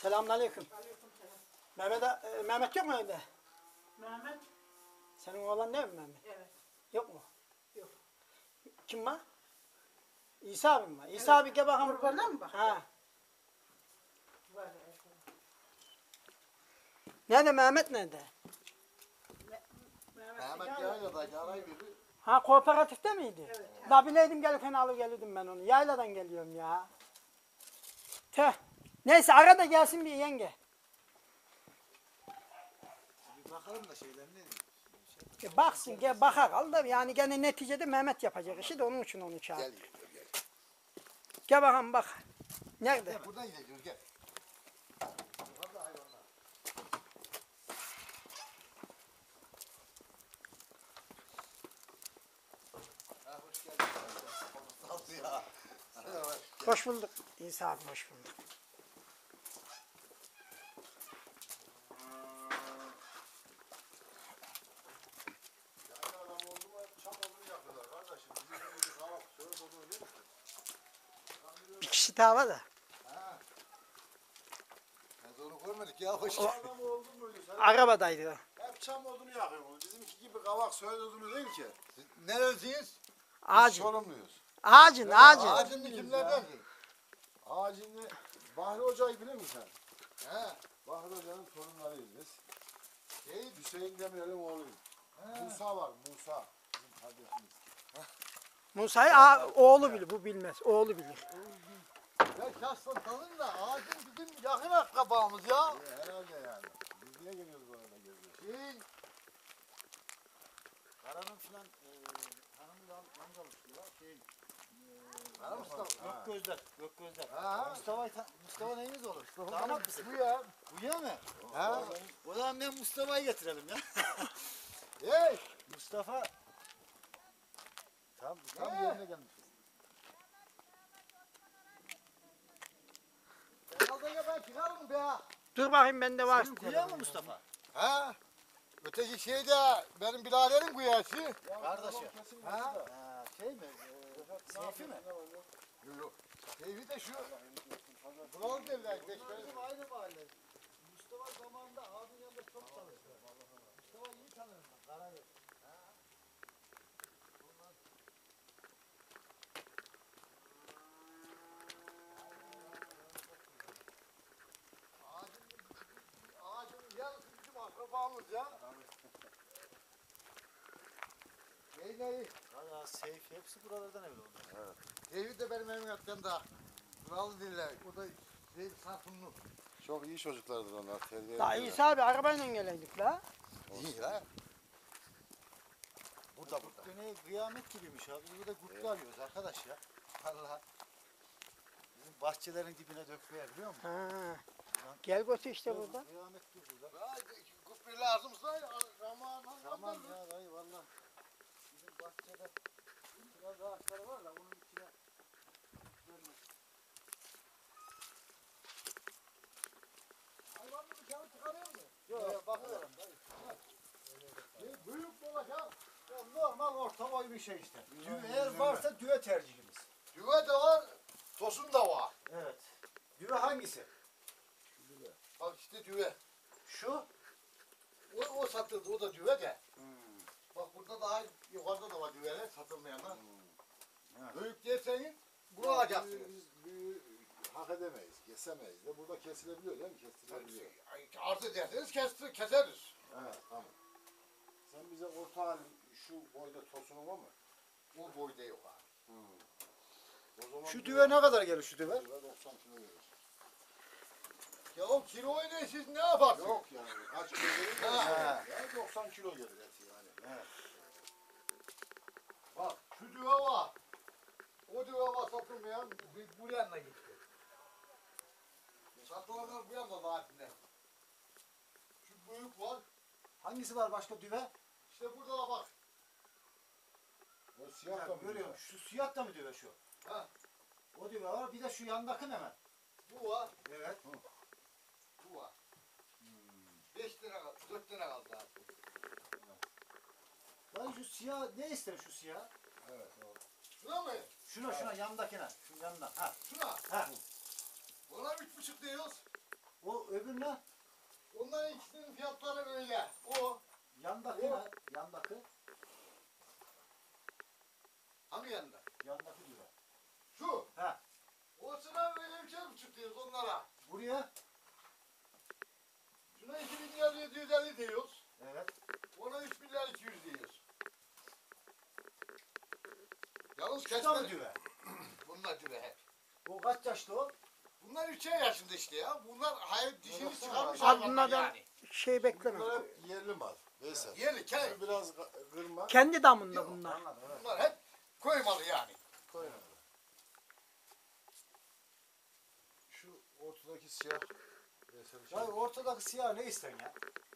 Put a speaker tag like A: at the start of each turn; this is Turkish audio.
A: Selamünaleyküm.
B: Aleykümselam.
A: Mehmet yok mu evde?
B: Mehmet?
A: Senin oğlan değil mi Mehmet?
B: Evet.
A: Yok mu?
B: Yok.
A: Kim var? İsa abi mi var? İsa abi gel bakalım.
B: Kurbana mı bak?
A: Ha.
B: Var evet.
A: Nerede Mehmet nerede?
C: Mehmet Yayla'daki arayı biri.
A: Ha kooperatifte miydi?
B: Evet.
A: La bileydim gelirken alıp gelirdim ben onu. Yayladan geliyorum ya. Tüh. Neyse ara da gelsin bir yenge.
C: Bir bakalım da şeylerine.
A: Baksın gel bakar al da yani gene neticede Mehmet yapacak işi de onun için onu çağır.
C: Gel.
A: Gel bakalım bak. Nerede?
C: Gel buradan gidiyoruz gel. Yukarıda hayvanlar. Ha hoş geldin. Sağ ol ya.
A: Hoş bulduk. İsa abi hoş bulduk.
C: Yani adam oldu mu çam odunu yakıyorlar kardeşim. Bizim gibi kavak söğüt odunu değil mi?
A: Bir kişi daha var da.
C: Ha. Biz onu görmedik ya hoş geldin. Adam oldu muydu sen?
A: Arabadaydı.
C: Hep çam odunu yakıyorsunuz. Bizimki gibi kavak söğüt odunu değil ki. Siz neresiniz?
A: Ağacın.
C: Sorumluyuz.
A: Ağacın.
C: Ağacın kimlerden? Ağacın Bahri Hoca'yı bilir misin sen? He. Bahri Hoca'nın torunlarıyız biz. Hüseyin Demirel'in oğluyuz. Musa var, Musa. Bizim kardeşimiz.
A: Musa'yı oğlu bilir. Bu bilmez. Oğlu bilir.
C: Ya şahsen tanın da ağacın bizim yakın akrabamız ya. Herhalde yani. Biz niye geliyoruz orada geziyoruz?
D: Karanın filan hanımı amcalık diyorlar.
C: Ha Mustafa.
D: Gök gözler, gök gözler.
C: Ha.
D: Mustafa neyimiz olur?
C: Mustafa
D: Damat mısın?
C: bu ya.
D: Bu ya mı?
C: Ha.
D: O zaman ben Mustafa'yı getirelim ya.
C: Hey.
D: Mustafa.
C: Tam yerine gelmişiz. Herhalde ben çıkarım be.
A: Dur bakayım bende var.
D: Bu ya mı Mustafa?
C: Ha? Öteki şey de benim biraderim kuyası.
D: Kardeşi.
C: Ha?
D: Ha, şey mi? Seyfi mi?
C: Yok yok. Evi de şu. Bunalı derler.
D: Bizim aynı mahalle. Mustafa zamanında abinin yanında çok çalıştı. Mustafa iyi tanırım ben. Karagöz.
C: Ağacın yarısı bizim akrabamız ya. Neyi?
D: Valla Seyfi hepsi buralardan evli onlar.
C: Evet. Evi de benim evim yakında. Bunalı derler. O da şey Sarpunlu.
E: Çok iyi çocuklardır onlar. Terbiye
A: La
E: ediyorlar.
A: İsa abi arabayla geleydik la.
C: İyi la. Burada.
D: Döneyi kıyamet gibiymiş abi. Biz burada kutlu arıyoruz arkadaş ya. Vallahi. Bizim bahçelerin dibine dökmeye biliyor musun?
A: Ha. Gel götür işte burada.
D: Kıyamet gibi burada.
C: Kupri lazımsa zaman.
D: Tamam ya dayı valla. Bizim bahçede biraz ağaçları var da onun içine görmez.
C: Hayvanı dışarı çıkarıyor mu?
D: Yok bakıyorum dayı.
C: Büyük olacak.
D: Ya normal orta boy bir şey işte. Eğer varsa düve tercihimiz.
C: Düve de var. Tosun da var.
D: Evet. Düve hangisi?
C: Bak işte düve.
D: Şu.
C: O satıldı. O da düve de. Bak burada daha yukarıda da var düveler satılmayanlar.
D: Evet.
C: Büyük derseniz bunu alacaksınız.
E: Büyü hak edemeyiz, kesemeyiz de burada kesilebiliyor değil mi? Kesilebiliyor.
C: Arz ederseniz keseriz.
E: Evet, tamam. Sen bize orta halin şu boyda tosunun var mı?
C: O boyda yok abi.
E: O zaman
D: Şu düve ne kadar gelir şu düve?
E: düve 90 kilo gelir.
C: Ya o kiloyu ne siz ne yaparsınız?
E: Yok yani kaç kilo gelir?
C: Ha.
E: Yani 90 kilo gelir eti yani.
D: Evet.
C: Bak şu düve var. O düve var satılmayan bu yanına gitti. Satılanlar bu yanına vaatinde. Şu büyük var.
D: Hangisi var başka düve?
C: İşte burada da bak.
E: O siyah da mı?
D: Görüyorum. Şu siyah da mı düve şu?
C: Ha.
D: O düve var. Bir de şu yandaki ne hemen?
C: Bu var.
D: Evet.
C: Bu var. 5 lira kaldı. 4 lira kaldı artık.
D: Lan şu siyah ne ister şu siyah?
E: Evet, o.
C: Şuna mı?
D: Şuna yandakine. Şu yanına. Ha.
C: Şuna.
D: Ha.
C: Ona 3,5 diyoruz.
D: O öbür ne?
C: Onların ikisinin fiyatları öyle. O
D: Yandaki
C: O-
D: ne? Yandaki.
C: hangi yanında?
D: Yandaki düve.
C: Şu.
D: Ha.
C: O sıra öyle bir şey mi çıkıyoruz onlara?
D: Buraya.
C: Şuna 2750 diyoruz.
D: Evet.
C: Ona 3200 diyoruz. Yalnız
D: Şu da mı
C: kesme.
D: düve?
C: Bunlar düve hep.
D: O kaç yaşlı o?
C: Bunlar 3'er yaşında işte ya. Bunlar hayır dişini
E: Baksana
C: çıkarmış
E: abi.
A: Abi
C: hayvanlar
A: bunlardan
C: yani.
A: şey bekleme.
E: Bunlar hep yerli mal. Veysel.
C: Yerli köy.
E: Şu biraz kırma.
A: Kendi damında
C: Yok,
A: bunlar.
D: Anladım evet.
C: Bunlar hep köy malı yani.
E: Koy abi. Şu ortadaki siyah. Veysel
D: Ya ortadaki siyah ne isten ya?